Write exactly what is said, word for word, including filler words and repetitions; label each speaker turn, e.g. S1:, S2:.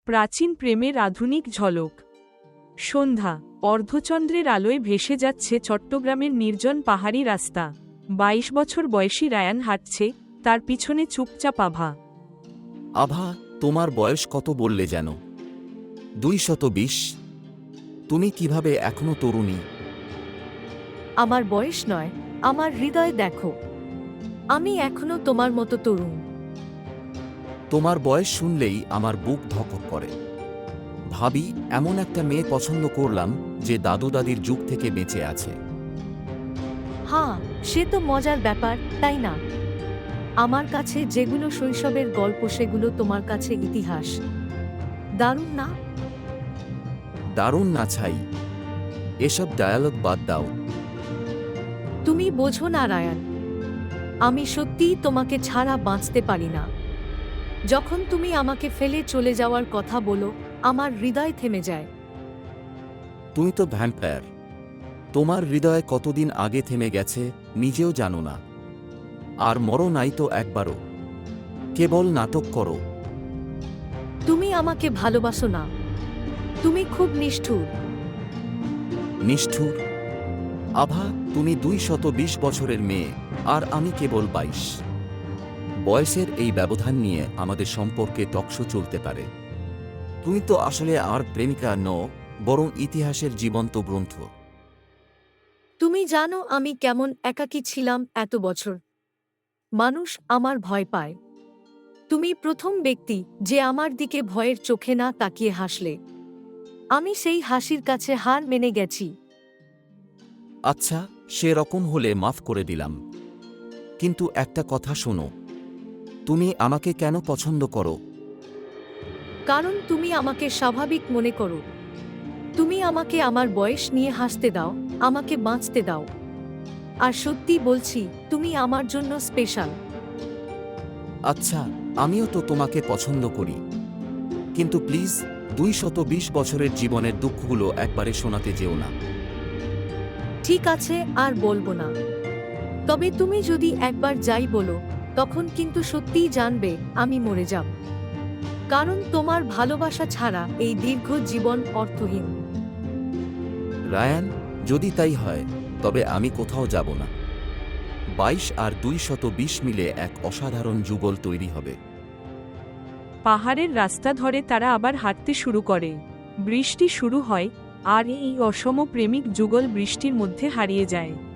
S1: প্রাচীন প্রেমের আধুনিক ঝলক। সন্ধ্যা, অর্ধচন্দ্রের আলোয় ভেসে যাচ্ছে চট্টগ্রামের নির্জন পাহাড়ি রাস্তা। বাইশ বছর বয়সী রায়ান হাঁটছে, তার পিছনে চুপচাপ আভা।
S2: আভা, তোমার বয়স কত বললে যেন? দুই শত বিশ। তুমি কিভাবে এখনো তরুণী?
S3: আমার বয়স নয়, আমার হৃদয় দেখো। আমি এখনো তোমার মতো তরুণ।
S2: তোমার বয়স শুনলেই আমার বুক ধকধক করে। ভাবি, এমন একটা মেয়ে পছন্দ করলাম যে দাদু দাদির যুগ থেকে বেঁচে আছে।
S3: হ্যাঁ, সে তো মজার ব্যাপার, তাই না? আমার কাছে যেগুলো শৈশবের গল্প সেগুলো তোমার কাছে ইতিহাস। দারুণ না?
S2: দারুণ না ছাই। এসব ডায়ালগ বাদ দাও।
S3: তুমি বোঝো না রায়ান, আমি সত্যিই তোমাকে ছাড়া বাঁচতে পারি না। যখন তুমি আমাকে ফেলে চলে যাওয়ার কথা বলো, আমার হৃদয় থেমে যায়।
S2: তুমি তো ভ্যাম্পায়ার। তোমার হৃদয় কতদিন আগে থেমে গেছে নিজেও জানো না। আর মরো নাই তো একবারও। কেবল নাটক করো।
S3: তুমি আমাকে ভালোবাসো না। তুমি খুব নিষ্ঠুর।
S2: নিষ্ঠুর? আভা, তুমি দুই শত বিশ বছরের মেয়ে, আর আমি কেবল বাইশ। বয়সের এই ব্যবধান নিয়ে আমাদের সম্পর্কে টকশো চলতে পারে। তুমি তো আসলে আর প্রেমিকা নও, বরং ইতিহাসের জীবন্ত গ্রন্থ।
S3: তুমি জানো আমি কেমন একাকী ছিলাম এত বছর। মানুষ আমার ভয় পায়। তুমি প্রথম ব্যক্তি যে আমার দিকে ভয়ের চোখে না তাকিয়ে হাসলে। আমি সেই হাসির কাছে হার মেনে গেছি।
S2: আচ্ছা, সে রকম হলে মাফ করে দিলাম। কিন্তু একটা কথা শোনো, তুমি আমাকে কেন পছন্দ করো?
S3: কারণ তুমি আমাকে স্বাভাবিক মনে করো। তুমি আমাকে আমার বয়স নিয়ে হাসতে দাও, আমাকে বাঁচতে দাও। আর সত্যি বলছি, তুমি আমার জন্য স্পেশাল।
S2: আচ্ছা, আমিও তো তোমাকে পছন্দ করি। কিন্তু প্লিজ, দুই শত বিশ বছরের জীবনের দুঃখগুলো একবারে শোনাতে যেও না।
S3: ঠিক আছে, আর বলবো না। তবে তুমি যদি একবার যাই বলো, তখন কিন্তু সত্যিই জানবে আমি মরে যাব। কারণ তোমার ভালোবাসা ছাড়া এই দীর্ঘ জীবন অর্থহীন।
S2: রায়ান, যদি তাই হয়, তবে আমি কোথাও যাব না। বাইশ আর দুই শত বিশ মিলে এক অসাধারণ যুগল তৈরি হবে।
S1: পাহাড়ের রাস্তা ধরে তারা আবার হাঁটতে শুরু করে। বৃষ্টি শুরু হয়, আর এই অসম প্রেমিক যুগল বৃষ্টির মধ্যে হারিয়ে যায়।